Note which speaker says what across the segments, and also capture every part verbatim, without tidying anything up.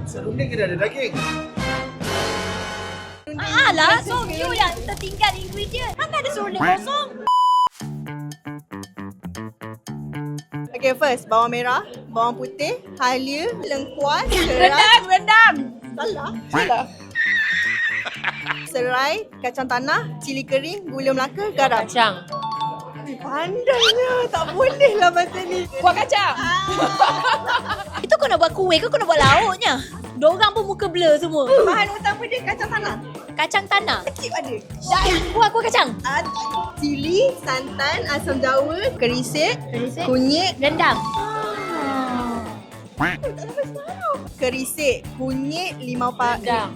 Speaker 1: Serunding kena ada daging.
Speaker 2: Ah lah, so you yang tertinggal ingredient. Kan ada serunding kosong.
Speaker 3: Okay, first bawang merah, bawang putih, halia, lengkuas, serai.
Speaker 2: Rendang, rendang.
Speaker 3: Salah.
Speaker 2: Salah.
Speaker 3: Serai, kacang tanah, cili kering, gula melaka, garam.
Speaker 2: Kacang.
Speaker 3: Pandainya, tak boleh lah macam ni.
Speaker 2: Kuah kacang. Itu kau nak buat kuih ke kau nak buat lauknya? Diorang pun muka blur semua.
Speaker 3: Bahan utama dia kacang tanah.
Speaker 2: Kacang tanah.
Speaker 3: Kecil ada.
Speaker 2: Dan kuah kuah kacang.
Speaker 3: Ada cili, santan, asam jawa, kerisik,
Speaker 2: Kerisik.
Speaker 3: kunyit,
Speaker 2: Rendang.
Speaker 3: kerisik, kunyit, limau parut.
Speaker 2: Rendang.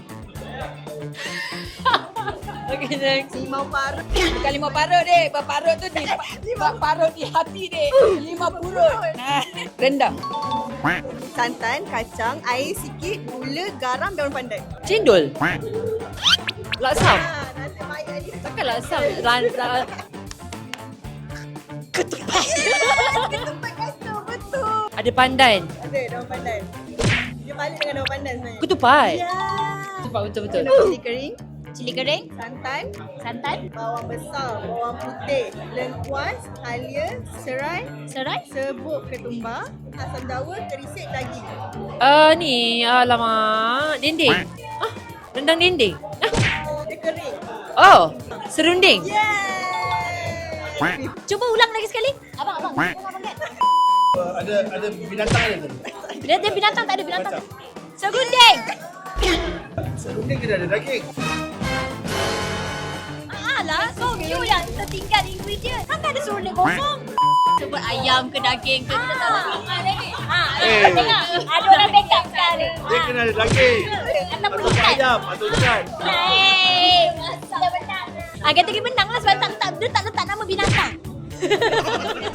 Speaker 2: Okay, next.
Speaker 3: Limau parut.
Speaker 2: Bukan lima parut dek. Parut tu di lima parut di hati dek. Lima purut. Nah, rendang.
Speaker 3: Santan, kacang, air sikit, gula, garam, daun pandan.
Speaker 2: Cendol. Laksam.
Speaker 3: Ah, nasib baik ni.
Speaker 2: Takkan laksam. Lan, lan. Ketupat.
Speaker 3: Ketupat kacang, betul.
Speaker 2: Ada pandan.
Speaker 3: Ada daun pandan. Dia balik dengan daun pandan sebenarnya.
Speaker 2: Ketupat.
Speaker 3: Ya.
Speaker 2: Ketupat betul-betul.
Speaker 3: Cili kering,
Speaker 2: Cili kering.
Speaker 3: santan,
Speaker 2: Santan.
Speaker 3: bawang besar, bawang putih, lengkuas, halia, serai,
Speaker 2: Serai.
Speaker 3: serbuk ketumbar, asam jawa, kerisik, daging.
Speaker 2: Uh, ni, alamak. Dendeng. Ah, rendang dendeng. Ah.
Speaker 3: Dia kering.
Speaker 2: Oh, serunding.
Speaker 3: Yeay!
Speaker 2: Cuba ulang lagi sekali. Abang, abang. Abang, abang.
Speaker 1: Uh, ada ada binatang ada tu.
Speaker 2: Dia, dia binatang tak ada binatang. Serunding.
Speaker 1: Serunding kena ada daging.
Speaker 2: Ah lah, so you yang tertinggal ingredient. Kan ada serunding kosong. Sebut ayam ke daging ke kita tak nak ingat lagi. Ha,
Speaker 1: Eh.
Speaker 2: tengok. Ada orang backup sekali.
Speaker 1: Dia kena ada daging.
Speaker 2: Ataupun
Speaker 1: Atau
Speaker 2: ikan.
Speaker 1: ayam atau ikan.
Speaker 2: Hai. Dah menang. Ah, kita pergi menang lah sebab tak letak, dia tak letak nama binatang.